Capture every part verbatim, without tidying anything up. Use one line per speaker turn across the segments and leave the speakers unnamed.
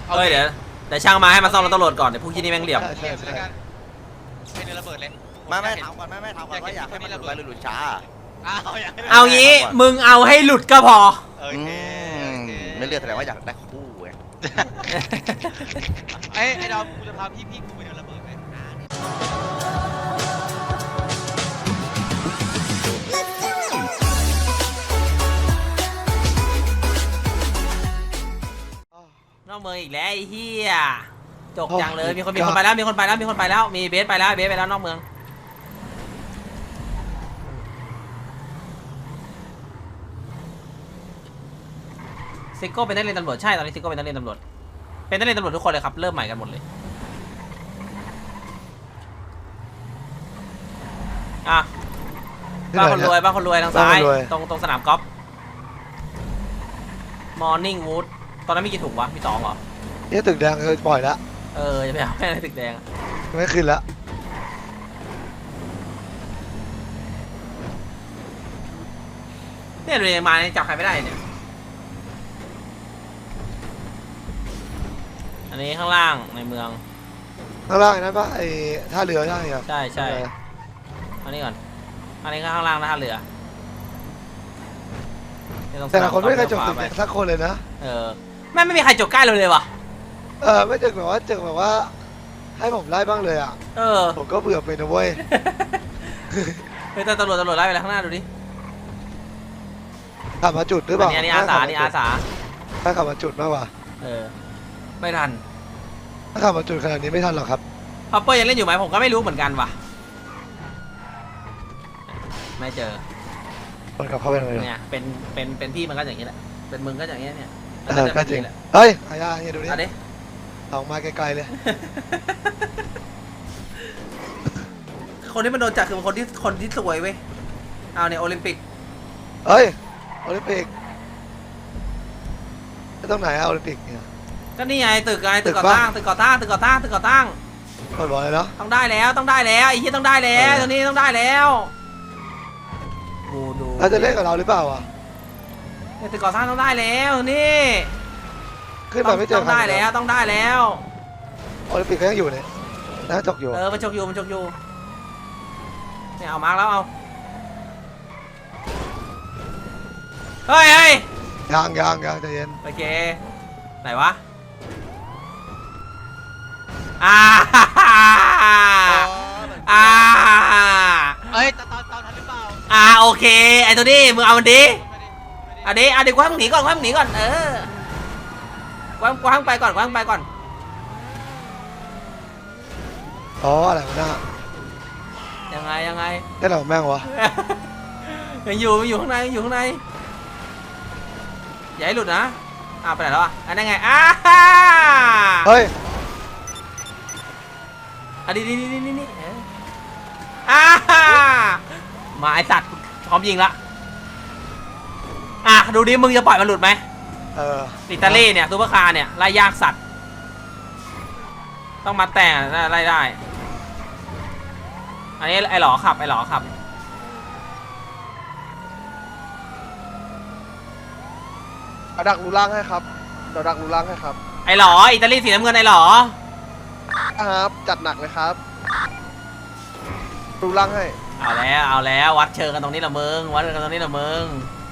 เฮ้ยเดี๋ยวเดี๋ยวช่างมาให้มาซ่อมรถตำรวจก่อนเดี๋ยวพวกที่นี่แม่งเหลี่ยม
ใช่ใช่เป็นระเบิดเลย
ไม่ไม่ถามก่อนไม่ไม่ถามก่อนว่าอยากให้มันหลุดไปหรือหลุดช้า
เอางี้มึงเอาให้หลุดก็พอ
โอเค
ไม่เลือกแสดงว่าอยากได้คู่ไง
ไอ้ไอ้ดาวกูจะพาพี่พี่กูไปเดินระเบิดไหม
นอกเมืองอีกแล้วไอ้เหี้ยจกจังเลยมีคนมีคนไปแล้วมีคนไปแล้วมีคนไปแล้วมีเบสไปแล้วเบสไปแล้วนอกเมืองซิโก้เป็นนักเรียนตำรวจใช่ตอนนี้ซิโก้เป็นนักเรียนตำรวจเป็นนักเรียนตำรวจทุกคนเลยครับเริ่มใหม่กันหมดเลยอ่ะบ้านคนรวยบ้านคนรวยทางซ้ายตรงตรงสนามกอล์ฟมอร์นิ่งวูดตอนนั้นมีกี่ถุงวะมีสองเหรอ
เนี่ยตึกแดงเคยปล่อยแล้ว
เออจะไปเอาแม่ในตึกแดง
ไม่ขึ้นแล้ว
เนี่ยเรียนมาจับใครไม่ได้เนี่ยอันนี้ข้างล่างในเมือง
ข้างล่างนั้นปะไอ้ท่าเรือใช่ไหม
ใช่ใช่อันนี้ก่อนอันนี้ข้างล่างนะท่าเรือ
แต่ละคนไม่เคยจบตึกแดงสักคนเลยนะ
เออไม่ไม่มีใครจบใกล้เราเลยวะ
เออไม่เจอแบบว่าเจอแบบว่าให้ผมไล่บ้างเลยอ่ะ
เออ
ผมก็เบื่อไปนะเว้ย
เฮ้ยตำรวจตำรวจไล่ไปแล้วข้างหน้าดูดิ
ขับมาจุดหรือเปล่า
อันนี้อาสานี่อาสา
ถ้าขับมาจุดมากกว่า
เออไม่ทัน
ถ้าขับมาจุดขนาดนี้ไม่ทันหรอกครับ
พอเปอร์ยังเล่นอยู่ไหมผมก็ไม่รู้เหมือนกันว่ะไม่เจอ
มันกับเขาเป็นอะไร
เนี่ยเป็นเป็นเป็นพี่มันก็อย่างนี้แหละเป็นมึงก็อย่างนี้เนี่ย
เออก็จริงเฮ้ยอายาเนี่ยดูดิ
เอาดิ
ออกมาไกลๆเลย
คนที่มันโดนจับคือคนที่คนที่สวยเว้ยเอาเนี่ยโอลิมปิก
เฮ้ยโอลิมปิกตรงไหนอะโอลิมปิกเนี่ย
ก็นี่ไงตึกไงตึกก่อตั้งตึกก่อตั้งตึกก่อตั้งตึกก่อตั้ง
ไม่บอกเลยเนาะ
ต้องได้แล้วต้องได้แล้วไอ้ที่ต้องได้แล้วตอนนี้ต้องได้แล้วดูดู
เราจะเล่นกับเราหรือเปล่าอ่ะ
ตึกก่อตั้งต้องได้แล้วนี่
ขึ้นมาไม่เจอ
ต้องได้แล้วต้องได้แล้ว
โอลิมปิกก็ยังอยู่เนี่ยนะจกอยู่
เออมันจกอยู่มันจกอยู่เนี่ยเอามาร์กแล้วเอาเฮ้ยเฮ้ย
ยังยังยังใจเย็น
โอเคไหนวะอ่าอ่า
เอ้ยตอนตอนตอนทันหรือเปล่า
อ่าโอเคไอ้ตัวนี้มึงเอามันดิเอาดิเอาดิกว้างหนีก่อนกว้างหนีก่อนเออกว้างกว้างไปก่อนกว้างไปก่อน
อ๋ออะไรวะหน้า
ยังไงยังไง
ได้หรอแม่งวะ
ยังอยู่ยังอยู่ข้างในยังอยู่ข้างในอย่าให้หลุดนะอ้าวไปไหนแล้วอ่ะอันนั้นไงอ้า
เฮ้ย
อันนี้นี่นี่นี่นี่อ้ามาไอสัตว์พร้อมยิงละอ่ะดูดิมึงจะปล่อยมันหลุดไหม
เออ
อิตาลีเนี่ยซูเปอร์คาร์เนี่ยไล่ยากสัตว์ต้องมาแต่งไล่ได้อันนี้ไอหลอขับไอหลอขับ
เอาดักรูล่างให้ครับเดี๋ยวดักรูล่างให้ครับ
ไอหลออิตาลีสีน้ำเงินไอหลอ
ครับจัดหนักเลยครับรูล่างให้
เอาแล้วเอาแล้ววัดเชิงกันตรงนี้ละมึงวัดกันตรงนี้ละมึง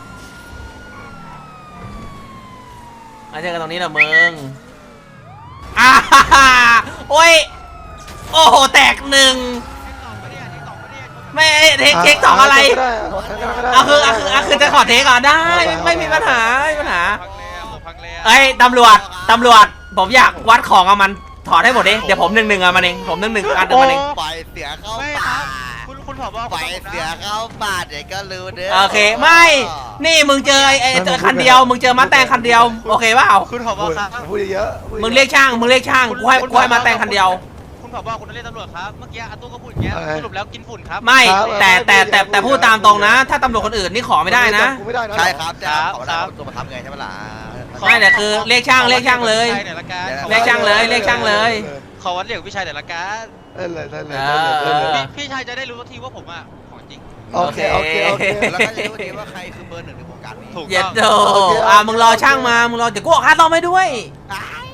วัดเชิงกันตรงนี้ละมึงอ้าโอ้ยโอ้โหแตกหนึ่งไม่เทคเทคสองอะไรอ่ะคืออ่ะคืออ่ะคือจะขอเทคก่อนได้ไม่มีปัญหาไม่มีปัญหาเอ้ยตำรวจตำรวจผมอยากวัดของเอามันถอดให้หมดดิเดี๋ยวผมหนึ่งหนึ่งอ่ะมันเองผมหนึ่งหนึ่งอันเดียวมันเอง
ปล่อยเสียเข้าป่า
คุณคุณผบ
ปล่อยเสียเข้าป่าเดี๋ยวก็รู้เด้อ
โอเคไม่นี่มึงเจอไอ้เจอคันเดียวมึงเจอมาแต่งคันเดียวโอเคเปล่า
คุณผบครับ
พูดเยอะ
มึงเรียกช่างมึงเรียกช่างกูให้กูให้มาแต่งคันเดียว
คุณผบคุณเรียกตำรวจครับเมื่อกี้อาตู้ก็พูดอย่างเงี้ยสรุปแล้วกินฝุ่นครับ
ไม่แต่แต่แต่แต่พูดตามตรงนะถ้าตำรวจคนอื่นนี่ขอไม่ได้นะ
ใช่ครับจะขอได้ตัวมาทำไงใช่ไหมล่ะ
ไม่แต่คือเรียกช่างเรียกช่างเลยเรียกช่างเลยเรียกช่างเลย
ขอวัดเหลี่ยมพี่ชายแต่ละการ
เล่นเลยเล่นเลย
พี่ชายจะได้รู้ทีว่าผมอ่ะของจริง
โอเคโอเคโอเค
แล้วก็จะรู้ทีว่าใครคือเบอร์หนึ่งในวงการนี้
ถูก
เย็ดโดอ่ะมึงรอช่างมามึงรอเดี๋ยวกูออกค่าซ่อมให้ด้วย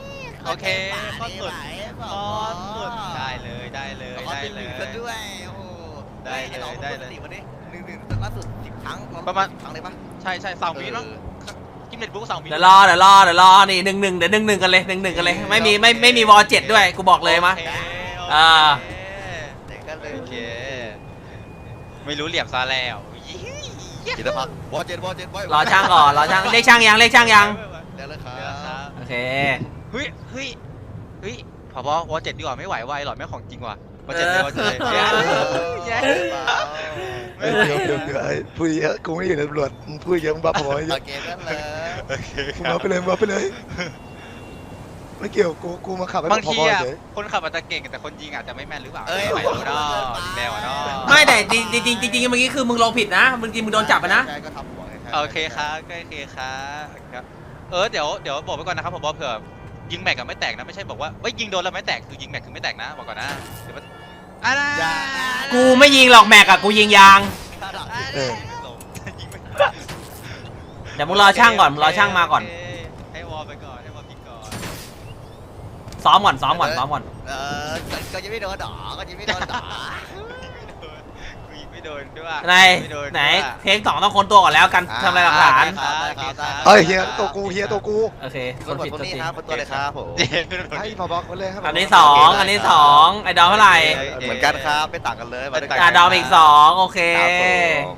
โอเคข้อสุดข้อสุดได้เลยได้เลย
ข้อ
ได้
ที่ห
เล
นึ่ง
ย
ซะด้วยโอ้โห
ได้เลยได้เลย
วันนี้หนึ่งหนึ่งล่าสุดสิบครั้ง
ประมาณ
ครั้งเลยปะ
ใช่ใช่สองวิมั้งกิมเน็ตบุ๊กสองวิ
เดี๋ยวรอเดี๋ยวรอเดี๋ยวรอนี่หนึ่งหนึ่งเดี๋ยวหนึ่งหนึ่งกันเลยหนึ่งหนึ่งกันเลยไม่มีไม่ไม่มีวอลเจ็ดด้วยกูบอกเลยมะ
โอค
อ่า
เด็กก็เลย
โอเคไม่รู้เหลี่ยมซะแล้ว
กิตพักวอเจ็ดวอเจ็ด
รอช่างก่อนรอช่างเรียกช่างยังเรียกช่างยัง
เดี๋ยวเลยครั
เดี๋ยวครับ บ
โอเค
เฮ้ยเฮ้ยเฮ้ยผบวอเจ็ดดีกว่าไม่ไหวไวหรอไม่ของจริงว่ะวอเจ็ดเลยวอเจ็ดเลยแย่แย่
เดี๋ยวเดี๋ยวเดี๋ยวไอ้พูดเยอะกูไม่อยู่ในตำรวจมึงพูดเยอะมึงบ้าพอเย
โอ
อะ
เคนั่นเลย
โอเคค
มึง
รั
มา
บ
ไปเลยมึงมาไปเลยไม่เกี่ยวกูกูมาขับให้
บาง
พอ
ที
พอ
อ่ะ
เฉย
คนขับอาจจะเก่งแต่คนยิงอาจจะไม่แม่นหรือเปล่า
เอ้ย
ไม่รู้เนาะแนวเนาะ
ไม่แต่จริงจริงจริงจริงเมื่อกี้คือมึงลงผิดนะมึงจริงมึงโดนจับไปนะ
ใช่ก็ทำหัวไง
โอเคครับโอเคครับครับเออเดี๋ยวเดี๋ยวบอกไว้ก่อนนะครับผมบอกเผื่อยิงแม็กกับไม่แตกนะไม่ใช่บอกว่าเฮ้ยยิงโดนแล้วไม่แตกคือยิงแม็กคือไม่แตกนะบอกก่อนนะเดี๋ยวมันอะไร
กูไม่ยิงหรอกแม็กอะกูยิงยาง
เออ
ยิงไม่
เดี๋ยวมึงรอช่างก่อนมึงรอช่างมาก่อน
โเคให้วอลไปก่อนให้วอลพิกก่อน
ซ้อมก่อนซ้อมก่อนซ้อมก่อน
เออก็ยังไม่โดนดอก็ยังไม่โดนดอ
กูยิงไม่โดนด้วย
ไหน
ไม่โดน
ไหน
ด้วย
เทคสองต้องค้นตัวก่อนแล้วกันทำลายหลักฐาน
โอเคครับ
เฮ้ยเฮียตัวกูเฮียตัวกู
โอเคค
คน
น
ผิ
ผิ
ด
ด
คน
ตัว
นี้
จริง
ครับคนตัวเลยครับผม
เย็นไม่โดน
ให้พอบอกคนเลยให้พ
อันนี้
บ
สองอันนี้สองไอ้ดอมเท่าไหร่
เหมือนกันครับไม่ต่างกันเลยมาด้วยกั
อ่ะดอมอีกสองโอเค
ครับผม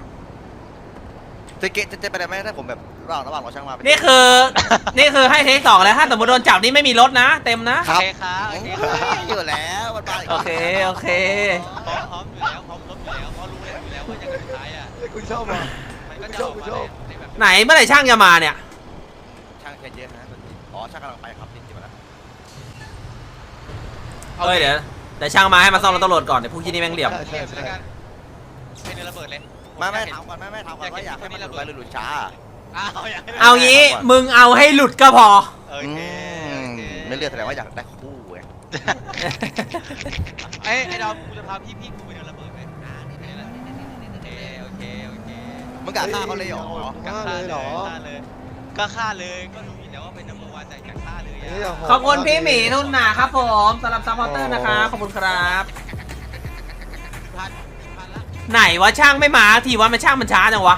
จะเกะจะจะไปได้ไหมถ้าผมแบบระหว่างระหว่างรอช่างมา
นี่คือ นี่คือให้เทคสองแล้วถ้าสมมติโดนจับนี่ไม่มีรถนะ เต็มนะ
โอเคครับโอเคครับ
อยู่แล้วมันมา
โอเคโอเค
พร้อมพร้อมอยู่แล้วพร้อมรบอยู่แล้วเพราะรู้แล้วอยู่แล้วว่าอย่างสุดท้ายอ่ะ
เฮ้ยกูชอบว่ะ
มันก็จะออกมาในแบบ
ไหนเมื่อไหร่ช่างจะมาเนี่ย
ช่างแค่เยอะนะอ๋อช่างกำลังไปครับจริงๆมาแล้ว
เฮ้ยเดี๋ยวเดี๋ยวช่างมาให้มาซ่อมรถตำรวจก่อนเดี๋ยวพวกที่นี่แม่งเหลี่ยม
เรียบแล้วกันเป็นระเบิดเลย
ไม่ไม่ถามก่อนไม่ไม่ถามก่อนว่าอยากให้มันไปหลุดช้า
อ้าวอย่าง
เอางี้มึงเอาให้หลุดก็พอ
โอเคโอเค
ไม่เลือกแสดงว่าอยากได้คู่ไง
ไอ้ไอ้ดาวกูจะพาพี่พี่กูไปเดินระเบิดไหมอ่าโอเคโอเคโอเค
มึงกะฆ่าเขาเลยเหรอ
ฆ่าเลยเหรอ
ฆ่าเลยก็ฆ่าเลยก็รู้อยู่แล้วว่าเป็นนัมเบอร์วันใจจะฆ่าเลย
เฮ้ยย่าโหด
ขอบคุณพี่หมีทุนหนาครับผมสำหรับซัพพอร์เตอร์นะครับขอบคุณครับ
พันพันละ
ไหนวะช่างไม่มาทีวะมันช่างมันช้าจังวะ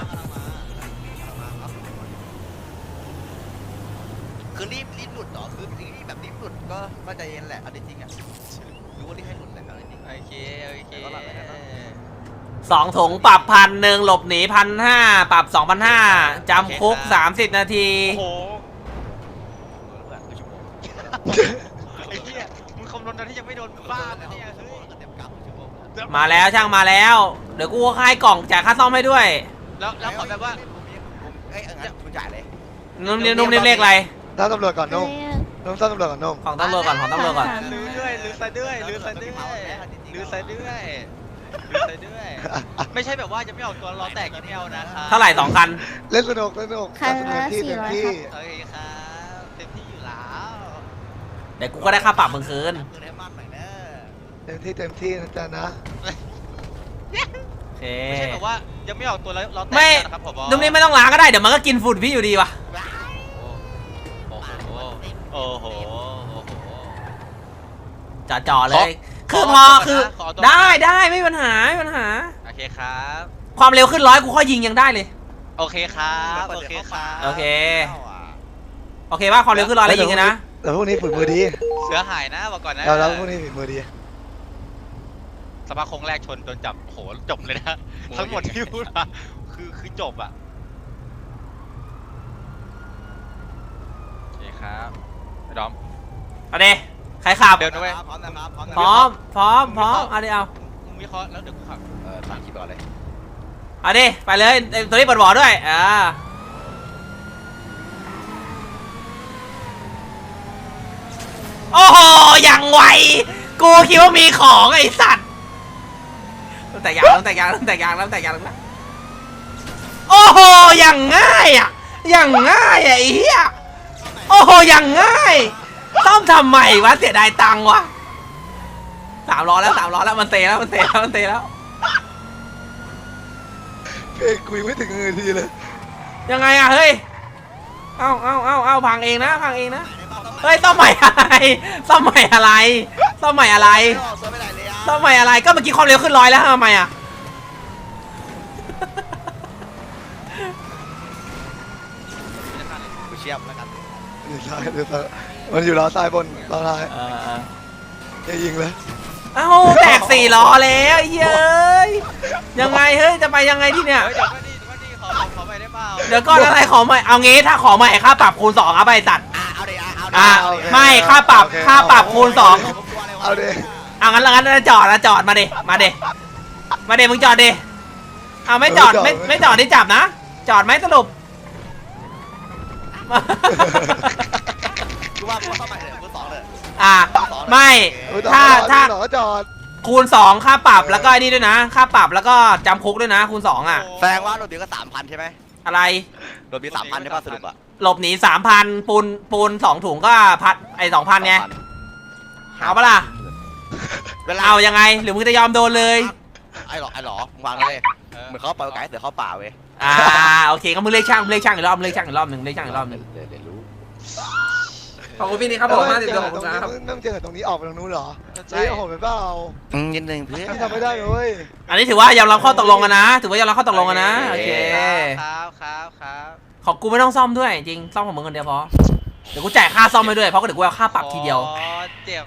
คือรีบรีบหลุดเหรอคือรีบแบบรีบหลุดก็ก็ใจเย็นแหละเอาจริงๆอ่ะรู้ว่ารีบให้หลุดแหละเอาจริง
โอเคโอเค
สองถุงปรับพันหนึ่งหลบหนีพันห้าปรับสองพันห้าจำคุกสามสิบนาที
โอ้โห
ๆเพื่อนคือชั่วโมง
ไอ้เหี้ยมึงคำนวณตอนที่ยังไม่โดนบ้านะเนี่ยเฮ้ย
เต็มกราฟชั่วโมง
มาแล้วช่างมาแล้ว เดี๋ยวกูให้กล่องจ่ายค่าซ่อมให้ด้วย
แล้วแล้วขอแบบว่า
เอ้ยงั้นคุณจ่ายเลย
นุ่มนิ่มนุ่มนิ่มเลขอะไร
ตั้งตำรวจก่อนนุ่มนุ่มตั้งตำรวจก่อนนุ่ม
ของตำรวจก่อนของตำรวจก่อน
ลือด้วยลือซะด้วยลือซะด้วยลือซะด้วยลือซะด้วย ไม่ใช่แบบว่าจะไม่ออกตัวล้อแตกอย่างเดียวนะครับ
เท่าไหร่สองคัน
เล่นสนุกเล่นสนุก
คันละ
เต็มที่
สี่
เต็ม
ร้อย
ที่
ครับ
โอเคครับเต็มที่อยู่แล้ว
เดี๋ยวกูก็ได้ค่าปรับมึงคืน
มือให้มากหน่อยเด้อ
เต็มที่เต็มที่นะจ๊ะนะ
โอเค
ไม่ใช่แบบว่ายังไม่ออกตัวแล้วล้อแตก
ไม่
นะครับผม
นุ่มนิ่มไม่ต้องล้างก็ได้เดี๋ยวมันก็กินฝุ่นพี่อยู่ดีว่ะ
โอ้โหโอ้โหโอ้โห
จ่อจ่อๆเลย
ขอ
คือพอ
ขอตัว
คือ
นะขอตัว
ได้ได้ไม่มีปัญหาไม่มีปัญหา
โอเคครับ
ความเร็วขึ้นร้อยกูค่อยยิงยังได้เลย
โอเคครับโอเคครับ
โอเค โอเคว่าความเร็วขึ้นร้อยแล้วยิงกันนะ
แต่พวกนี้ฝีมือดี
เสือหายนะบอกก่อนนะ
เราแล้วพวกนี้ฝีมือดี
สภาพโคงแรกชนโดนจับโหจบเลยนะทั้งหมดที่พูดมาคือคือจบอ่ะโอเคครับไอ้ดอม
เอาดิใครขับ
เดินนะเว้ย
พร้อมนะครับพร้อมนะ
พร้อมพร้อมพร้อมเอาดิเอา
มึงวิเคราะห์แล้วเดี๋ยวกูขับ
เออทางคลิปก่อนเลย
เอาดิไปเลยไอ้ตัวนี้เปิดบ่อด้วยอ่าโอ้โหอย่างไวกูคิดว่ามีของไอ้สัตว์ตั้งแต่ยางตั้งแต่ยางตั้งแต่ยางตั้งแต่ยางแล้วโอ้โหอย่างง่ายอ่ะอย่างง่ายอ่ะไอ้เหี้ยโอ้โหอย่างง่ายซ่อมทำไมวะเสียดายตังค์วะสามล้อแล้วสามล้อแล้วมันเตะแล้วมันเตะแล้วมันเตะแล้ว
เพลงคุยไม่ถึงนาทีเลย
ยังไงอะเฮ้ย เอาเอาเอาเอาพังเองนะพังเองนะ
ในบ้านต้องไหน
เฮ้ยซ่อมใหม่อะไรซ่อมใหม่อะไรซ่อมใหม่อะไร
ไม่ออกตัวไปไหนเลยอ่ะ
ซ่อมใหม่อะไรก็เมื่อกี้ความเร็วขึ้นร้อยแล้วทำไมอ่ะ
กูเชียบแล้วกัน
อยู่ซ้ายอยู่ซ้ายมันอยู่ล้อซ้ายบนล้อท้าย
เออเออ
อย่ายิงเลย
เอ้าแตกสี่ล้อแล้วไอ้เฮ้ยยังไงเฮ้ยจะไปยังไงที่เนี่ย
เฮ้ยเดี๋ยวก็ดีเดี๋ยวก็ดีขอขอขอไปได้เปล่า
เดี๋ยวก่อนอะไรขอใหม่เอางี้ถ้าขอใหม่ค่าปรับคูณสองครับไอ้สัตว์
อ่ะเอาดิอ่ะเอาดิ
อ่ะ
เาดิ
ไม่ค่าปรับค่าปรับคูณสอง
ผมกลัวอะไรวะ
เอาดิ
เอางั้นแล้วงั้นจอดแล้วจอดมาดิมาดิมาดิมึงจอดดิเอาไม่จอดไม่ไม่จอดที่จับนะ จอดไหมสรุป
กูว่ากูเข้ามาเลยกูสองเลย
อ่ะไม่
เออจอด
ถ้าถ้า
จอดจอด
คูณสองค่าปรับแล้วก็ไอ้นี่ด้วยนะ ค่าปรับแล้วก็จำคุกด้วยนะ คูณสองอ่ะ
แสดงว่าโดนดีก็สามพันใช่ไหม
อะไร
โดนดีสามพันใช่ป่ะสรุปอ่ะ
หลบหนีสามพันปูนปูนสองถุงก็พัดไอ้สองพันไงเอาปะล่ะ
เวลา
เอายังไงหรือมึงจะยอมโดนเลย
ไอ้หรอไอ้หรอมึงวางเลย
เออ
เหมือนเขาปล่อยโอกาสให้เสือเข้าป่าเว้ย
อ่าโอเคก็มึงเรียกช่างมึงเรียกช่างอีกรอบมึงเรียกช่างอีกรอบหนึ่งเรียกช่างอีกรอบหนึ่ง
เดี๋ยวเดี๋ยวรู้
ขอบคุณพี่นี่ครับผมมากติด
เจ
ตัว
อ
ขอบ
ตร
คุ
ง
ณ
นี้
ครับ
มึงเจอตรงนี้ออกไปตรงนู้นเหรอ
ใช่
เฮ้ยโอ้โหเป็นเปล่า
อืมนิดนึงเพื่อน
พี่ทำไม่ได้เลย
อันนี้ถือว่ายอมรับข้อตกลงกันนะถือว่ายอมรับข้อตกลงกันนะโอเค
ครับครับครับ
ของกูไม่ต้องซ่อมด้วยจริงซ่อมของมึงคนเดียวพอเดี๋ยวกูจ่ายค่าซ่อมไปด้วยเพราะเดี๋ยวกูเอาค่าปรับทีเดียว
อ๋อเจ็บ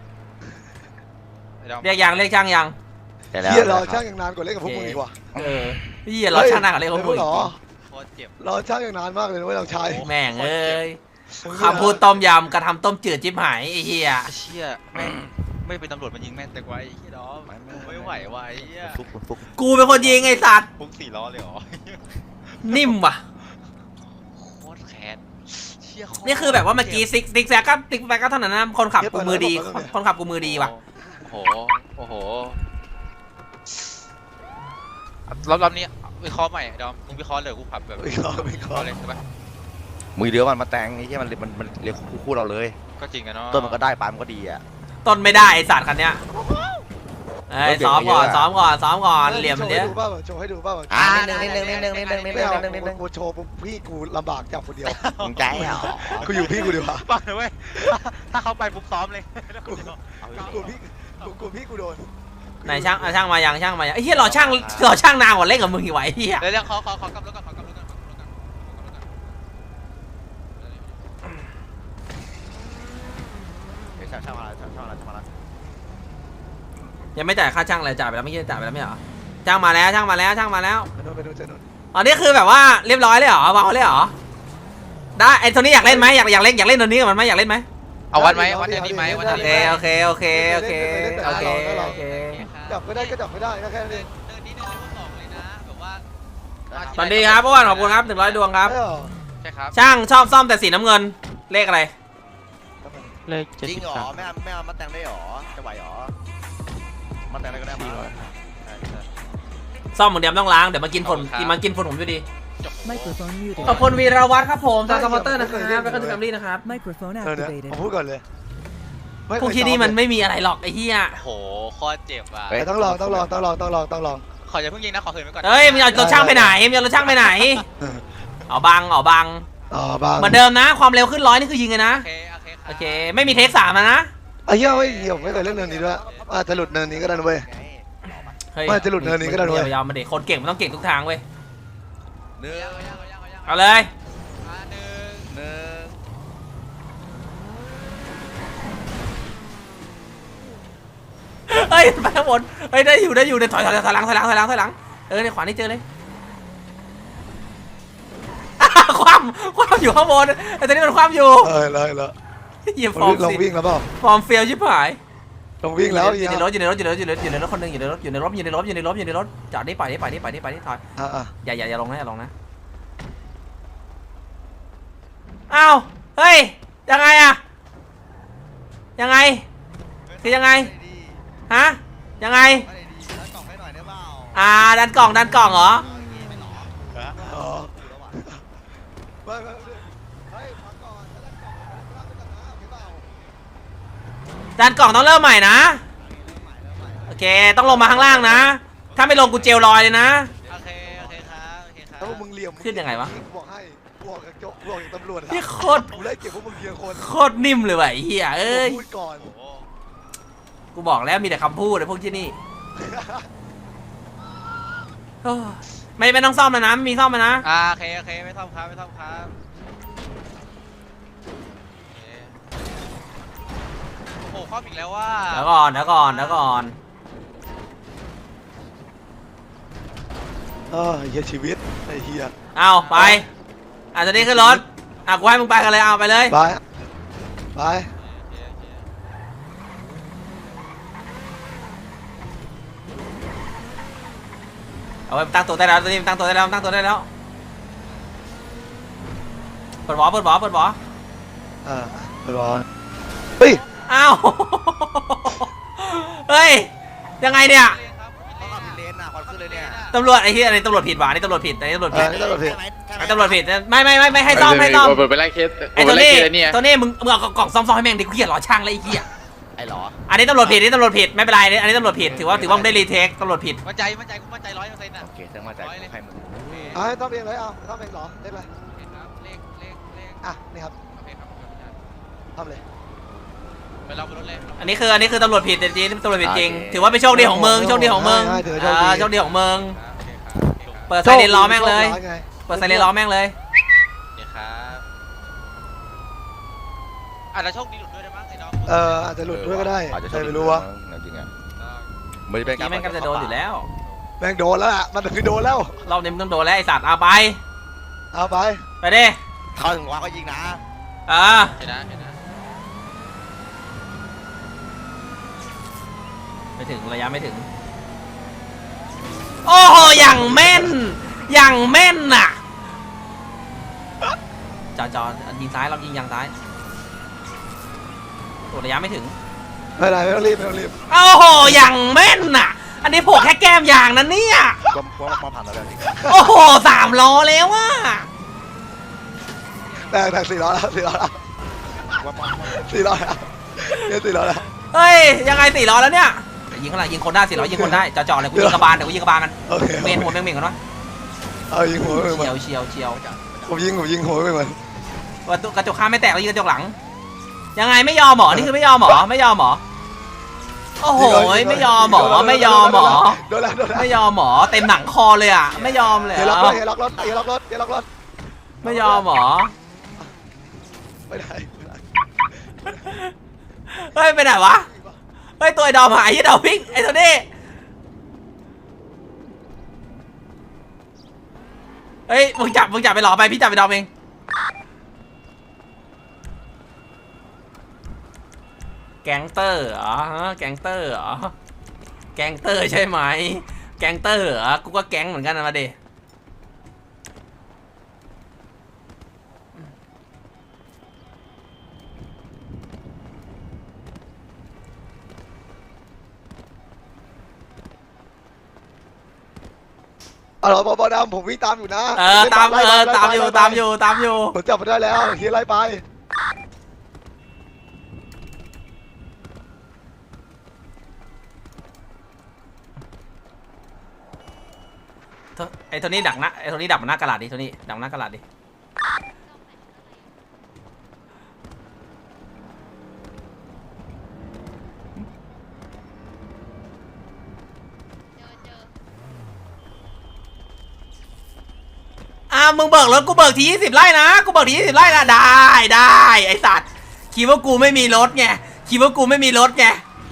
เดี๋ยว
เรียกยังเรียกช่างยัง
ดี๋วแล้ว
เฮียรอช่างอย่างนานกว่าเล่นกับพวกมึงอีกว่ะ
เออพี่อย่ารอช่างหน้ากับเรียกของมึง
เหรอ
โคตรเจ็บ
รอช่างอย่างนานมากเลยนะเว้ยเราใช้
แม่งเอ้ยคำพูดต้มยำกระทำต้มจืดจิ๊บหายไอ้เหี้ย
เชี่ยแม่งไม่เป็นตำรวจมันยิงแม่งแต่กว่าไอ้เหี้ยดอมไม่ไหวว่ะไอ้เหี้ย
ฟุกฟุก
กูเป็นคนยิงไอ้สัตว์
พุ่งสี่ล้อเลยเหรอ
นิ่มว่ะ
โคตรแค้นเชี่ยโตร
นี่คือแบบว่าเมื่อกี้ซิกซิกแซกก็ซิกแซกก็เท่านั้นนะคนขับกูมือดี คนขับกูมือดีว่ะ
โอ้โหโอ้โหรอบรอบนี้วิเคราะห์ใหม่ดอมมึงวิเคราะห์เลยกูขับแบบ
ไม่ขอไม่ขอ
เลยใช่ปะ
มือเดียวมันมาแต่งไอ้ที่มันมันมันเรียกคู่คู่เราเลย
ก็จริงอะเนาะ
ต้นมันก็ได้ปลายมันก็ดีอ่ะ
ต้นไม่ได้ไอ้สัตว์คันเนี้ยเอ้ยซ้อมก่อนซ้อมก่อนซ้อมก่อนเหลี่ยมมันเนี้ย
โชว์ให้ดูป่าวโชว์ให้ดูป่าว
อ่านิดนึงนิดนึงนิดนึงนิดนึงนิด
ไม่
นึง
เอา
นิดนึงนิดนึง
กูโชว์ปุ๊บพี่กูลำบากจับคนเดียว
มึงใจเหรอ
กูอยู่พี่กูดีกว่า
ปังเลยเว้ยถ้าเขาไปปุ๊บซ้อมเลย
กูกูพี่กูกูพี่กูโดน
ไหนช่างอ่ะช่างมายังช่างมายังไอ้เหี้ยรอช่างรอช่างนานกว่าเล่นกับมึงอีกไหวะไอ้เหี้ย
เดี๋ยวเดี๋ยวขอขอขอกลับรถก่อนขอกลับรถก่อนขอกลับรถก่อนขอกลับรถก่อน
เดี๋ยวช่างช่างมาแล้วช่างช่างมาแล้วช่างมาแล้ว
ยังไม่จ่ายค่าช่างเลยจ่ายไปแล้วไม่ใช่จ่ายไปแล้วไม่เหรอช่างมาแล้วช่างมาแล้วช่างมาแล้ว
ไปโดนไปโดนเจอโดน
อ๋อนี่คือแบบว่าเรียบร้อยเลยเหรอวางเลยเหรอได้ไอ้ตัวนี้อยากเล่นไหมอยากอยากเล่นอยากเล่นตัวนี้กับมันไหมอยากเล่นไหม
เอาวันไหมวันนี้ไหมวัน
โอ
นี้
เคโอเคโอเคโอเคโอเคโอเค
จับไม่ได้ก็จับไม่ได้ก็แค่นั้นเอง
เดินนี้เดินนี้สองเลยนะแบบว่า
สวัสดีครับอ้วนขอบคุณครับหนึ่งร้อยดวงครับ
ใช่เหรอ
ใช่ครับ
ช่างชอบซ่อมแต่สีน้ำเงินเลขอะไร
เลขเจ็ด
จริง
สิบ
เหรอ
สาม
ไม่เอาไม่เอามาแต่งได้เหรอจะไหวเหรอมาแต่งได้ก็ได้มาใช่ใช่
ซ่อมเหมือนเดิมต้องล้างเดี๋ยวมากินฝุ่นกินมันกินฝุ่นผมอยู่ดี
Microphone muted.
ขอบคุณวีรวัฒน์ครับผมจากสปอร์เตอร์นะครับแล้วก็ถึงแฟมลี่นะครับ
Microphone
เออเนี่ย
activated.
ผมพูดก่อนเลย
พวกที่นี่มันไม่มีอะไรหรอกไอ้เหี้ย
โอ้โหโคตรเจ็บอ่ะ
แต่ต้องลองต้องลองต้องลองต้องลองต้องลอง
ขออย่าเพิ่งยิงนะขอคืนไว้ก่อน
เฮ้ยมึงเอารถช่างไปไหนมึงเอารถช่างไปไหนเอาบังเอาบัง
อ๋อบ้าง
เหมือนเดิมนะ ความเร็วขึ้นร้อยนี่คือยิงเลยนะ
โอเคโอเคครับ
โอเคไม่มีเทคสามนะ
ไอ้เหี้ยเฮ้ยเหี้ยผมไม่เคยเล่นเนินนี้ด้วยอาจจะหลุดเนินนี้ก็ได้นะเว้ย
ไง
เฮ้ย
ไม่จะหลุดเนินนี้ก็ได้ด้วย
ยาวๆมาเด็กคนเก่งมันต้องเก่งทุกทางเว้ย
หนึ่ง
เอายังเอายังเอายัง
เอาเลย
อ่ะหนึ่ง
หนึ่ง
เฮ้ยไปข้างบนเฮ้ยได้อยู่ได้อยู่เดี๋ยวถอยถอยถอยหลังถอยหลังถอยหลังถอยหลังเออในขวานี่เจอเลยความความอยู่ข้างบนไอ้ตัวนี้มันความอยู่
เออเลยเลย
เหยียบฟอร์ม
ลอง
สิ
วิ่งแล้วเปล่า
ฟอร์มเฟีลชิบหาย
ลองวิ่งแล้ว
อ
เหี้
ยู่
ย
ในรถอยู่ในรถอยู่ในรถอยู่ในรถอยู่ในรถอยู่ในรถคนหนึงอยู่ในรถอยู่ในรถอยู่ในรถอยู่ในรถอยู่ในรถจอดนี่ปล่อยนี่ปล่อยนี่ปล่อยนี่ปล่อยนี่ถอย
อ่ะอ่ะ
อย่าอย่าอย่าลงนะอย่าลงนะอ้าวเฮ้ยยังไงอะยังไงคือยังไงฮะยังไง
ไม่ได้ดีแล้วกล่องให้หน่อยได้เปล่า
อ่าดันกล่องดันกล่องเหรอ
อ๋อไม่ไม่ไม่เฮ้ยพักก่อนแล้วกล่องแล้วกล่องนะโอเคเปล่า
ดันกล่องต้องเริ่มใหม่นะโอเคต้องลงมาข้างล่างนะ ถ้าไม่ลงกูเจลลอยเลยนะ
โอเคโอเคครับโอเคครับ
ถ้าพวกมึงเหลี่ยม
ขึ้นยังไงวะ
กูบอกให้กูบอกอกจากโจ๊กบอกจากตำรวจอะ
พี่โคตร
กูไล่เก็บพวกมึงเทียงคน
โคตรนิ่มเลยว่ะไอ้เหี้ยเอ้ย
พูดก่อน
โอ้โห
กูบอกแล้วมีแต่คำพูดเลยพวกที่นี่โอ้ไม่ไม่ต้องซ่อมแล้วนะไม่มีซ่อมแล้วนะ
อ่าโอเคโอเคไม่ต้องครับไม่ต้องครับโอเคโอ้โหครอบอีกแล้วว่า
เดี๋ยวก่อนเดี๋ยวก่อนเดี๋ยวก่อน
เออเฮียชีวิตไอ้เฮีย
เอาไปอ่ะตอนนี้ขึ้นรถอ่ะกูให้มึงไปกันเลยเอาไปเลย
ไปไป
โอเคโอเค
เอาไปตั้งตัวได้แล้วตอนนี้ตั้งตัวได้แล้วตั้งตัวได้แล้วเปิดบอเปิดบอเปิดบอ
อ่าไปรอเฮ้ย
อ้าวเฮ้ยยังไงเนี่ย
ต้องขับเลนน่ะควันขึ้นเลยเนี่ย
ตำรวจไอ้ที่อันนี้ตำรวจผิดว่ะอันนี้ตำรวจผิดอันนี้ตำรวจ
เอ
ผิ
อ
ด
นี่ตำรวจผิด
ไอ้ตำรวจผิดไม่ไม่ไม่ไม่ให้ซ่อมให้ซ่อม
เปิดไปไล่เคส
ไอ้
เปิ
ตั
ด
ว
ไปไล่
นี้
เคสแล้วเนี่ย
ตัวนี้มึงมึงเอากล่องซ่อมซ่อมให้แม่งดิกูเกลียดหรอช่างแล้วไอ้เหี้ย
ไอ้หรอ
อันนี้ตำรวจผิดอันนี้ตำรวจผิดไม่เป็นไรอันนี้ตำรวจผิดถือว่าถือว่ามึงได้รีเทคตำรวจผิด
มั่นใจมั่นใจกูมั่นใจร้อยเปอร์เซ็นต์อ่ะ
โอเคต้องมาใจใครมึง
โอเค
เอาให้ต้องเองเลยเอาต้องเองเหรอเล่นเลย
โอเคครับเลขเลขเลข
อ่ะนี่ครับ
โอเคครับครับ
ทำเลย
ไปเราบนรถเลย
อันนี้คืออันนี้คือตำรวจผิดจริงๆตำรวจผิดจริงถือว่าเป็นโชคดีของมึงโชคดีของมึงอ่าโชคดีของมึง
โอเคครับโอเคครับ
เปิดไซเรนล้อแม่งเลย
โชคดีไง
เปิดไซเรนล้อแม่งเลย
โอเคครับอาจจะโชคดีหลุดด้วยได้มั้งไอ้น้อง
เอออาจจะหลุดด้วยก็ได้
อาจจะ
ใครไม่รู้วะ
จริงๆอ่ะไม่ได้เป็น
นี่แม่งก็จะโดนอยู่แล้ว
แม่งโดนแล้วล่ะมันคือโดนแล้ว
รอบนี้มึงต้องโดนแล้วไอ้สัตว์เอาไป
เอาไป
ไปดิ
เขาถึงว่าก็ยิงนะ
อ่า
เห็นนะเห็นนะ
ไม่ถึงระยะไม่ถึงโอ้โหอย่างแม่นอย่างแม่นน่ะจอจอยิงซ้ายเรายิงยางซ้ายตัวระยะไม่ถึง
ไม่เป็นไรไม่ต้องรีบไม่ต้องรีบ
โอ้โหอย่างแม่นน่ะ อันนี้โผล่แค่แก้มยางนั่นเนี่ย
ก็ว่ามาผ่านแล้วจริง
โอ้โหสามล้อแล้วว่ะ
แต่แต่สี่ล้อแล้วสี่ล้อแล้ว
ว่ามา
สี่ล้อแล้วเนี่ยสี่ล้อแล้ว
เฮ้ยยังไงสี่ล้อแล้วเนี่ยยิงข้างหลังยิงคนได้สี่ล้อยิงคนได้จอจอเลยกูยิงกระบาลเดี๋ยวกูยิงกระบาลมัน
โอเค
เมนหัวเมงเมงกันวะ
เอายิงหัวไปเหมือ
เฉีย
น
วเฉียวเฉียว
ผมยิงผมยิงหัวไปเหมือน
กระจกกระจกข้างไม่แตกแล้วยิงกระจกหลัง ยังไงไม่ยอมหมอนี่คือไม่ยอมหมอไม่ยอมหมอโอ้โหไม่ยอมหมอไม่ยอมหมอ
โดนแล้วโดนแล้ว
ไม่ยอมหมอเต็มหนังคอเลยอ่ะไม่ยอมเลย
เฮียล็อก
อะ
รถเฮียล็อกรถเฮียล็อกรถเฮียล็อกรถ
ไม่ยอมหมอ
ไม่ได้ไม่ได้
เฮ้ยไปไหนวะเฮ้ยตัวไอ้ดอมหายไอ้ดอมพิกไอ้ตัวนี้เฮ้ยมึงจับมึงจับไปหลอไปพี่จับไปดอมเองแก๊งเตอร์เหรอฮะแก๊งเตอร์เหรอแก๊งเตอร์ใช่ไหมแก๊งเตอร์เหรอกูก็แก๊งเหมือนกันนะมาดิ
เอาเหรอบอบอดำผมวิ่งตามอยู่นะ
เออตามเออตามอยู่ตามอยู่ตามอยู่
ผมจับมาได้แล้วเฮียไล่ไป
ไอ้ตัวนี้ดักนะไอ้ตัวนี้ดักมันหน้ากระดาษดิตัวนี้ดักหน้ากระดาษดิอ่ามึงเบิกรถกูเบิกทียี่สิบไร่นะกูเบิกทียี่สิบไร่นะได้ได้ไอ้สัตว์คิดว่ากูไม่มีรถไงคิดว่ากูไม่มีรถไง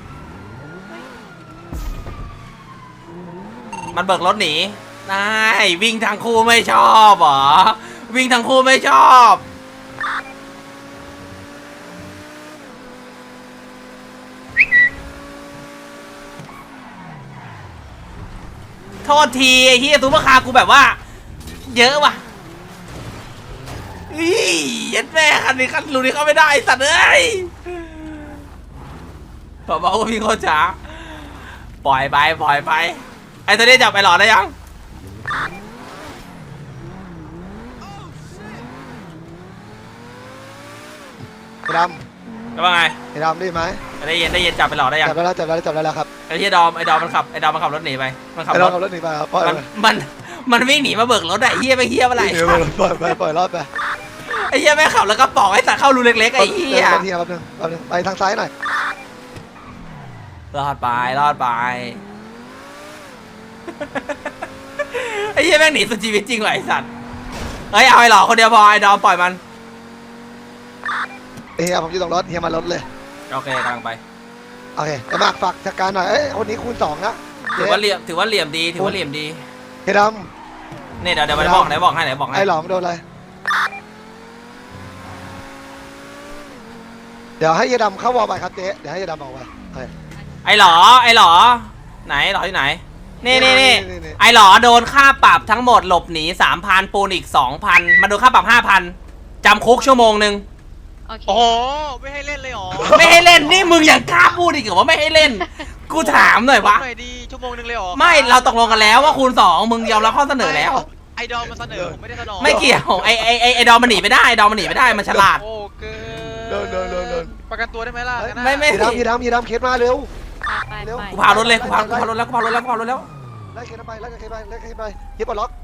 มันเบิกรถหนีได้วิ่งทางคู่ไม่ชอบเหรอวิ่งทางคู่ไม่ชอบโทษทีไอ้เฮียซูเปอร์คาร์กูแบบว่าเยอะว่ะอียัดแม่คันนี้คันรูนี้เข้าไม่ได้สัตว์เอ้ยบอกว่าพี่โคตรช้าปล่อยไปปล่อยไปไอ้ตัวนี้จับไปหลอดได้ยัง
ไอ้ด
จะว่าไง
ำไอ้ดำได้ไหม
ได้เย็นได้เย็นจับไปหลอดได้ยัง
จับได้แล้วจับได้แล้วจับได้แล้วครับ
ไอ้ที่ดอมไอ้ดอมมันขับไอ้ดอมมันขับรถหนีไปมันขับ
ไอ้
ร
เรา
ถ
ขับรถหนีไปครับปล่อย
มันมันมันวิ่งหนีมาเบิกรถไอ้เฮียไปเฮียอะไร
เดี๋ยวปล่อยปล่อยปล่อยรอดไป
ไอ้เหี้ยแม่งขับแล้วก็ปอกไอ้สัตว์เข้ารูเล็กๆไอ้เหี้ย
เดี๋วเฮียแป๊บนึงแป๊บนึงไปทางซ้ายหน่อย
รอดไปรอดไปไอ้เหี้ยแม่งหนีสุดชีวิตจริงว่ะไอ้สัตว์เฮ้ยเอาไอ้หล่อคนเดียวพอไอ้ดอมปล่อยมัน
เฮียผมอยู่ตรงรถเฮียมารถเลย
โอเคกำลังไป
โอเคแต่มากฝากจัดการหน่อยเอ้ยคนนี้คูณสองนะ
ถือว่าเหลี่ยมถือว่าเหลี่ยมดีถือว่าเหลี่ยมดี
เฮียด
นี่เดี๋ยวเดี๋ยวไปบอกไหนบอกให้ไหนบอก
ำ
ให้
ไอ้หลอมโดนอะไรเดี๋ยวให้เฮียดำเข้าวอลไปครับเจ๊เดี๋ยวให้เฮียดำบอกไปโอเค
ไอ้หล่อไอ้หล่อไหนหล่อที่ไหนนี่นี่นี่
นี่นี่
ไอ้หล่อโดนค่าปรับทั้งหมดหลบหนีสามพันปูนอีกสองพันมาโดนค่าปรับห้าพันจำคุกชั่วโมงหนึ่ง
โอเค
โอ้โหไม่ให้เล่นเลยเหรอ
ไม่ให้เล่นนี่มึงยังกล้าพูดอีกเหรอว่าไม่ให้เล่น กูถามหน่อยวะ
หน่อยดีชั่วโมงนึงเลยเหรอ
ไม่เราตกลงกันแล้วว่าคูณสองมึงยอมรับข้อเสนอแล้ว
ไอดอมมาเสนอผมไม่ได้เสนอ
ไม่เกี่ยวไอไอไอไอดอมมันหนีไม่ได้ไอดอมมันหนีไม่ได้มันฉลาด
โอ้เกิ
โดนโดนโดนโดน
ประกันตัวได้ไหมล่ะงั้นน่ะ
ไม่ไม่
เฮียดำเฮียดำเฮียดำเคสมาเร็ว
ไป
เร็ว
ไป
กูพารถเลยกูพากูพารถแล้วกูพารถแล้วกูพารถแล้ว
ไล่เคสไปไล่เคสไปไล่เคสไปเฮียปลดล็อก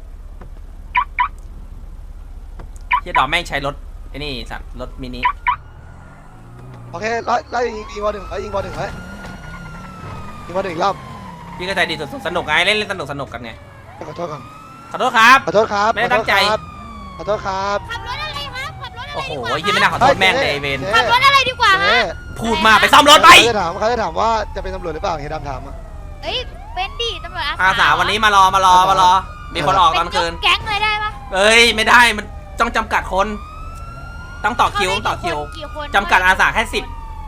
เฮียดอมแม่งใช้รถไอ้นี่สัตว์รถมินิ
โอเคไล่ไล่ยิงยิงบอลหนึ่งไล่ยิงบอลหนึ่งไว้ยิงบอลหนึ่งอีกรอบ
พี่ก็ใจดีสุดๆสนุกไงเล่นเล่นสนุกสนุกกันไง
ขอโทษก่อน
ขอโทษครับ
ขอโทษครับ
ไม่ได้ตั้งใจ
ขอโทษครับ
ขับรถอะไรครับขับรถอะไร
โอ้โห
ดีกว่า
ยี่ไม่น่าขอโทษแม่งเลยไอ้เวน
ขับรถอะไรดีกว่า
เจ๊
ฮะ
พูดมากไปซ่อมรถไป
เขาจะถามเขาจะถามว่าจะเป็นตำรวจหรือเปล่าเฮียดำถามอ่ะ
เอ้ยเป็นดิตำรวจอา
อาสาวันนี้มารอมารอมารอ มีคนออกตอนคืน
เป็นยกแก๊งเลยได้ปะ
เอ้ยไม่ได้มันต้องจำกัดคน ต้องต่อคิวต้องต่อคิว
กี่คน
จำกัดอาสาแค่สิบ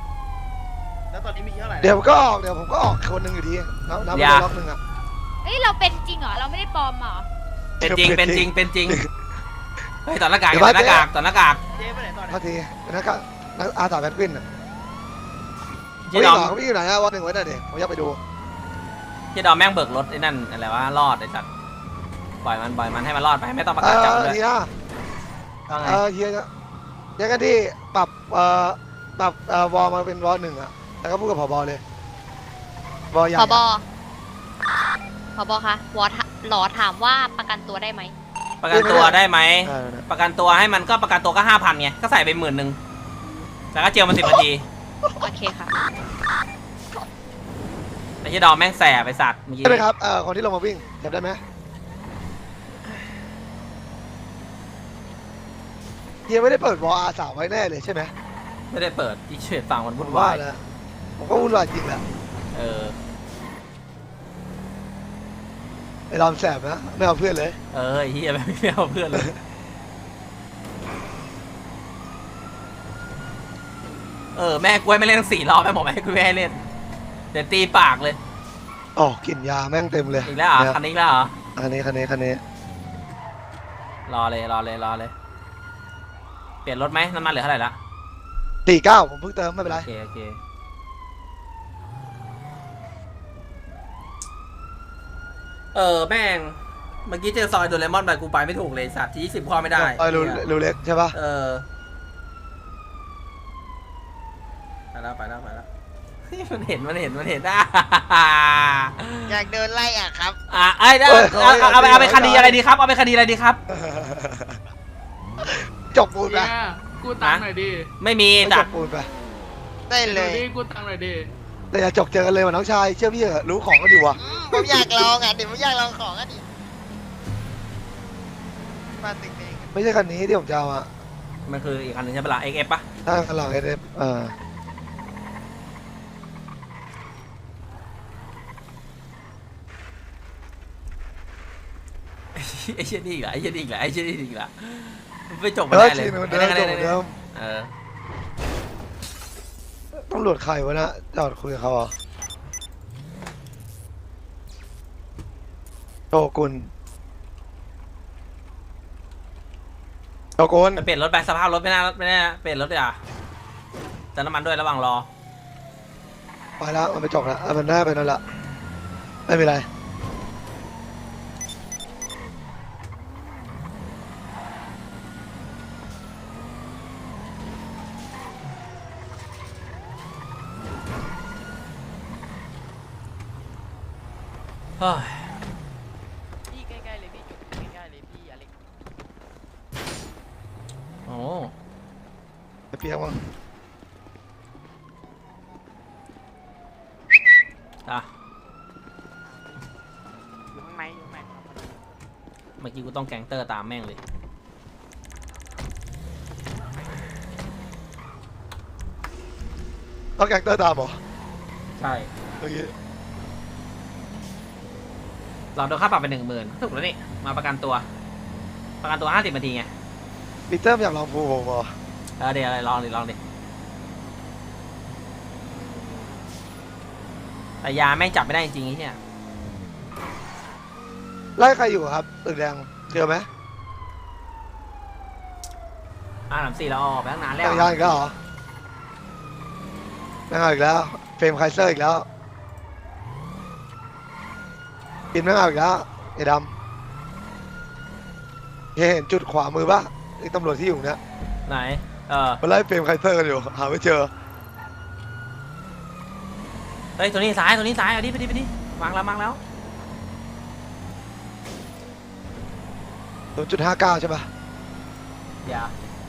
เดี๋ยวผมก็ออกเดี๋ยวผมก็ออกคนหนึ่งอยู่ดีนับนับไป
อย่า
ล็อกหนึ่งอ่ะ
เอ้ยเราเป็นจริงเหรอเราไม่ได้ปลอมเหรอ
เป็นจริงเป็นจริงเป็นจริงเฮ้ยต่อหน้ากาก
เดี๋
ต่
ยว
อหน้ากากต่อหน้ากาก
เท่าทีนักก็นักอาสาแพนกวินอ่ะ
เฮี
วิ่
ย
ง
ดอม
เหรอวิ่งอยู่ไหนอ่ะวันหนึ่งไว้หน่อยดิผมอยากไปดู
เฮียดอมแม่งเบิกรถไอ้นั่นอะไรวะรอดไอ้สัตว์ปล่อยมันปล่อยมันให้มันรอดไปไม่ต้องประ
เอก
าศจับ
อ
มันด้วย
ทีนะ
ว่าไง
เออเฮียเฮียกันที่ปรับเอ่อปรับเอ่อวอลมาเป็นวอลหนึ่งอ่ะแล้วก็พูดกับผบเลยวอลใหญ่
ผบผบคะวอทหลอถามว่าประกันตัวได้ไหม
ประกันตัวได้ไหม
เออ
ประกันตัวให้มันก็ประกันตัวก็ห้าพันไงก็ใส่ไปหมื่นหนึ่งแล้วก็เจียวมันสิบนาที
โอเคค่ะ
ไอ้เฮียดอมแม่งแสบไปสัตว์เมื่อกี้
ใช่ไหมครับเอ่อคนที่ลงมาวิ่งจำได้ไหมเฮียไม่ได้เปิดวอลอาสาไว้แน่เลยใช่ไหม
ไม่ได้เปิดที่เฉดฟังมัน
ผ
วุ่
ม
น
ว่าว
าย
แล้วผมก็วุ่นวายจริงแหละ
เออ
ไอ้รอมแสบนะไม่เอาเพื่อนเลย
เออไอ้เฮียไม่เอาเพื่อนเลยเออแม่กูให้ไม่เล่นทั้งสี่รอบแม่บอกแม่กูไม่ให้เล่นเดี๋ยวตีปากเลย
อ๋อกลิ่นยาแม่งเต็มเลย
อีกแล้วเหรอ
เนี่ย
คันนี้อีกแล้วเหรอ
คันนี้คันนี้คันนี้
รอเลยรอเลยรอเลย เปลี่ยนรถไหมน้ำมันเหลือเท่าไหร่ละ
สี่เก้าผมเพิ่งเติมไม่เป็นไร
โอเคโอเคเออแม่งเมื่อกี้เจอซอยโดเรมอนไปกูไปไม่ถูกเลยสัตว์ที่ยี่สิบพอไม่ได้
เออรูรูเล็กใช่ปะ
เออไปแล้วไปแล้วไปแล้วเฮ้ยมันเห็นมันเห็นมันเห็นอ่ะ
อยากเดินไล่อ่ะครับ
อ่ะไอ้เอาเอาเอาเอาไปเอาไปคดีอะไรดีครับเอาไปคดีอะไรดีครับ
จบปูนไป
เนี่ยกูตังค์หน่อยดิ
ไม่มี
ไม่จ
จัด
บปูนไป
ได้เล
ดู
ย
ดิกูตังค์หน่อยดิ
แต่อย่าจกเจอกันเลยว่ะน้องชายเชื่อพี่เหอะรู้ของก็อยู่ว่ะ
ผมอยากลองอ่ะเดี๋ยวผมอยากลองของอ่ะดิมาตึกนี้
ไม่ใช่คันนี้ที่ผมจะเอาอ่ะ
มันคืออีกคันหนึงใช่ปะล่ะ เอ็กซ์ เอฟ ปะ
ถ้าคันหลังเอฟเออ
ไอ้เชี่ยนี่อีกละไอ้เชี่ยนี่อีกละไอ้เชี่ยนี่อีกละมันไม่จบ
เอ
ไม่
อ
ได้เลย
ชีนมัน
ไม่
เดิ
ได้
ม
ไม่
จ
ได้
บเหมือนเดิม
เออ
ตำรวจใครวะนะจอดคุยกับเขาเหรอโชกุนโชกุน
ไปเปลี่ยนรถไปสภาพรถไม่น่าไม่น่าเปลี่ยนรถเลยอ่ะเติมน้ำมันด้วยระหว่างรอ
ไปแล้วมันไปจบแล้วอ่ะมันได้ไปนั่นละไม่เป็นไร
เฮ้ย
พี่ใกล้ๆเลยพี่จุดใกล้ๆเลยพี่อเล็ก
อ๋อ
ปียกมั้ง
อ่ะ
อยู่ข้างในอยู่ข้างใน
เมื่อกี้กูต้องแก๊งเตอร์ตามแม่งเลย
ต้องแกงเตอร์ตามเหรอ
ใช่
เมื่อกี้
เราโดนค่าปรับไปหนึ่งหมื่นถูกแล้วนี่มาประกันตัว ประกันตัวห้าสิบนาทีไง
ปีเตอร์อยากลองภูผมเหรอ
เออเดี๋ยวอะไรลองดิลองดิแต่ยาแม่งจับไม่ได้จริงๆไอ้เนี่ย
ไล่ใครอยู่ครับตึกแดงเจอไหม
อ่าสามสี่เราออกไปตั้งนานแล้ว
จักรยานอีกแล้วเหรอไม่เอาอีกแล้วเฟรมไคเซอร์อีกแล้วกินไม่เอาอีกแล้วไอ้ดำเห็นจุดขวามือปะไอ้ตำรวจที่อยู่เนี่ย
ไหน เออ
มันไล่เฟรมไคเซอร์กันอยู่หาไม่เจอ
เฮ้ยตัวนี้ซ้ายตัวนี้ซ้ายเอาดิไปดิไปดิวางแล้ววางแล้ว
ศูนย์จุดห้าเก้าใช่ปะ
อย่า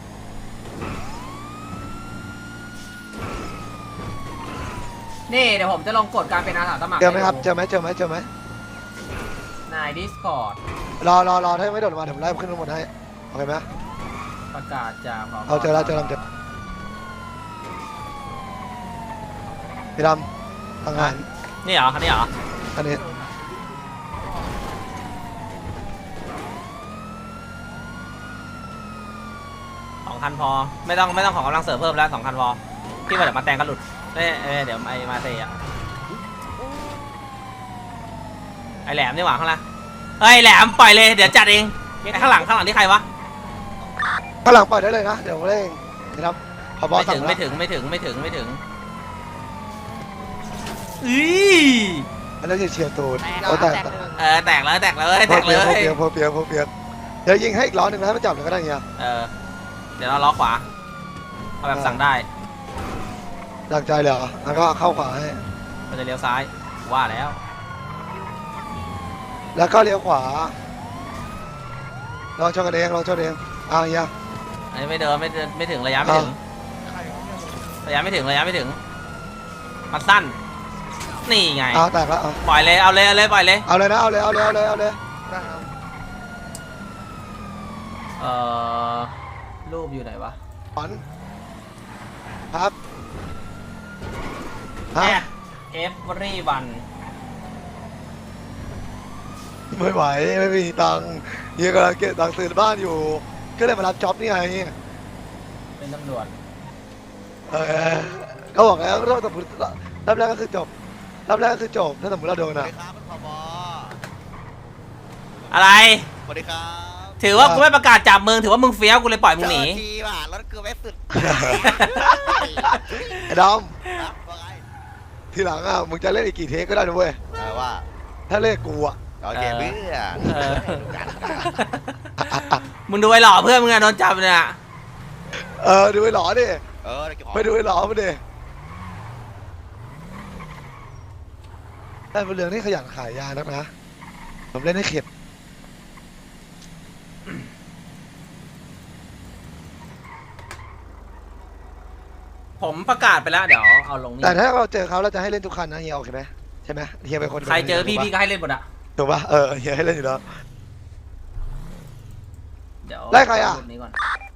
นี่เดี๋ยวผมจะลงกดการเป็นอาสาสมัคร
เจอไหมครับเจอไหมเจอไหมเจอไหม
ในดิสคอร์ด
รอรอรอถ้ายังไม่โดดลงมาเดี๋ยวผมไล่ขึ้นข้างบนให้โอเคไหม
ประกาศจากผ
เอาเจอแล้วเจอแล้วเจอพี่ดำทางงาน
นี่เหรอคันนี้เหรอ
อันนี้
สองคันพอไม่ต้องไม่ต้องของกำลังเสริมเพิ่มแล้วสองคันพอพี่ว่าเดี๋ยวมาแตงก็หลุดเอ้ยเอ้ยเดี๋ยวไอมาเตะไอแหลมนี่หว่าข้างล่างเฮ้ยแหลมปล่อยเลยเดี๋ยวจัดเองไอข้างหลังข้างหลังที่ใครวะ
ข้างหลังปล่อยได้เลยนะเดี๋ยวผมเล่นพี่ดำพอบอ
ไม่
สั่
ถึ
ง
ง
แล้ว
ไม่ถึงไม่ถึงไม่ถึงไม่ถึงอี
อันนั้นจะเฉียดตูดโอ้แต่
เออแตกแล้วแตกเลยแต
พอก
เล
เปียกพอย เปียกพอเปียกพอเปียกเดี๋ยวยิงให้อีกล้อหนึ่งนะให้มันจับเลยก็ได้เงี้ย
เออเดี๋ยวเราล้อขวาเอาแบบสั่งได้
ดักใจเลยเหรอแล้วก็เข้าขวาให้
มันจะเลี้ยวซ้ายว่าแล้ว
แล้วก็เลี้ยวขวาลองชนกันเองลองชนเองอ่ะเฮีย
อันนี้ไม่เดินไม่เดินไม่ถึงระยะไม่ถึงระยะไม่ถึงระยะไม่ถึงมันสั้นนี่ไง
เอาแตกแล้วเอา
ปล่อยเลยเอาเลยเอาเลยปล่อยเลย
เอาเลยนะเอาเลยเอาเลยเอาเลยเอาเลย
เอ่อรูปอยู่ไหนวะ
ขอนครับฮะ
เอฟรีวัน
ไม่ไหวไม่มีตังค์เฮียกำลังเก็บตังค์ซื้อบ้านอยู่ก็เลยมารับจ็อบนี่ไง
เป็นตำรวจ
เออเขาบอกแล้วรอบสมมติรอบแรกก็คือจบรอบแรกก็คือจบถ้าสมมติเราโดน
สวัส
อ่ะ
ดีครับคุณผบ
อะไร
สวัสดีครับ
ถือว่ากูไม่ประกาศจับมึงถือว่ามึงเฟี้ยวกูเลยปล่อยมึงหนี
เจอทีว่ะรถเกือบไม่สุด
ไอ้ดอม
ครับว่าไง
ทีหลังอ่ะมึงจะเล่นอีกกี่เทคก็ได้นะเว้ย
เออว่า
ถ้าเล่นกูอ่ะ
โอเคเพื่อน
เออ มึงดูไอ้หล่อเพื่อนมึงอะโดนจับเนี่ย
เออดูไอ้หลอดิ
เออเดี๋ยวเก็บของ
ไปดูไอ้หลอมาดิแต่เป็นเรื่องที่ขยันขายยานักนะผมเล่นให้เข็ด
ผมประกาศไปแล้วเดี๋ยวเอาลงนี่
แต่ถ้าเราเจอเขาเราจะให้เล่นทุกคันนะเฮียโอเคไหมใช่ไหมเฮียเป็นคน
ใครเจอพี่พี่ก็ให้เล่นหมดอะ
ถูกปะเออเฮียให้เล่นอยู่แล้ว
เดี๋ยว
ไล่ใครอะ
รูปนี้ก่อน